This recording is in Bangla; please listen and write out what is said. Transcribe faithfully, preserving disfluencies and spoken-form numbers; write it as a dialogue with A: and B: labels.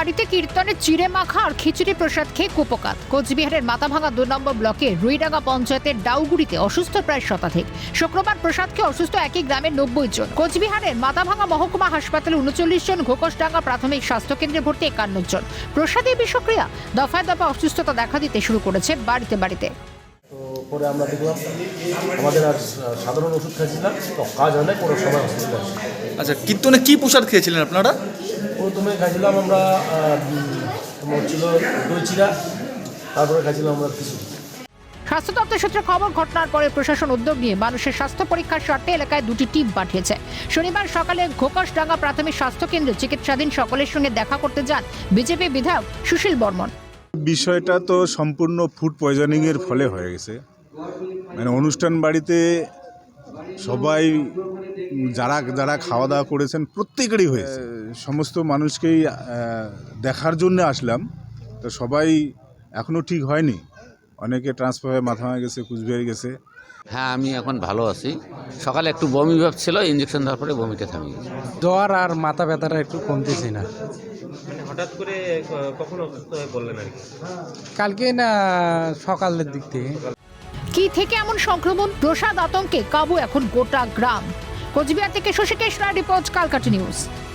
A: বাড়িতে কীর্তনের চিড়ে মাখা আর খিচুড়ি প্রসাদ খেয়ে কুপকাত। কোচবিহারের মাথাভাঙা দু নম্বর ব্লকের রুইডাঙ্গা পঞ্চায়েতের ডাউগুড়িতে অসুস্থ প্রায় শতাধিক। শুক্রবার প্রসাদ খেয়ে অসুস্থ একই গ্রামের নব্বই জন। কোচবিহারের মাথাভাঙা মহকুমা হাসপাতালে উনচল্লিশ জন, ঘোকসডাঙ্গা প্রাথমিক স্বাস্থ্য কেন্দ্রে ভর্তি একান্ন জন। প্রসাদের বিষক্রিয়া দফায় দফায় অসুস্থতা দেখা দিতে শুরু করেছে বাড়িতে বাড়িতে।
B: তো পরে আমরা দেখলাম আমাদের আর সাধারণ ওষুধ খাইছিলাম, তো কাজ হয় না, কোনো সময় হসপিটালে আসে।
C: আচ্ছা, কীর্তনে কি প্রসাদ খেয়েছিলেন আপনারা?
B: প্রথমে খাইছিলাম আমরা তোমার ছিল দই চিরা, তারপরে খাইছিলাম আমরা কিছু।
A: স্বাস্থ্য দপ্তর সূত্রে খবর, ঘটনার পরে প্রশাসন উদ্যোগ নিয়ে মানুষের স্বাস্থ্য পরীক্ষার স্বার্থে এলাকায় দুটি টিম পাঠিয়েছে। শনিবার সকালে ঘোকসডাঙ্গা প্রাথমিক স্বাস্থ্য কেন্দ্রে চিকিৎসাধীন সকলের সঙ্গে দেখা করতে যান বিজেপি বিধায়ক সুশীল বর্মন।
D: বিষয়টা তো সম্পূর্ণ ফুড পয়জনিংয়ের ফলে হয়ে গেছে। মানে অনুষ্ঠান বাড়িতে সবাই যারা যারা খাওয়া দাওয়া করেছেন প্রত্যেকেরই হয়েছে। সমস্ত মানুষকেই দেখার জন্য আসলাম, তো সবাই এখনও ঠিক হয়নি। অনেকে ট্রান্সফার হয়ে মাথা হয়ে গেছে, কুচবিহার গেছে।
E: হ্যাঁ, আমি এখন ভালো আছি। সকালে একটু বমি ভাব ছিল, ইঞ্জেকশন দেওয়ার পরে বমিটা থামিয়ে গেছে।
F: জ্বর আর মাথা ব্যথাটা একটু কমতেছে না।
B: হঠাৎ করে কখন অসুস্থ হয়ে বললেন আর কি?
F: কালকে না সকালের দিক থেকে।
A: কি থেকে এমন সংক্রমণ? প্রসাদ আতঙ্কে কাবু এখন গোটা গ্রাম। কোচবিহার থেকে শশীকেশ রায় রিপোর্ট, কালকাটা নিউজ।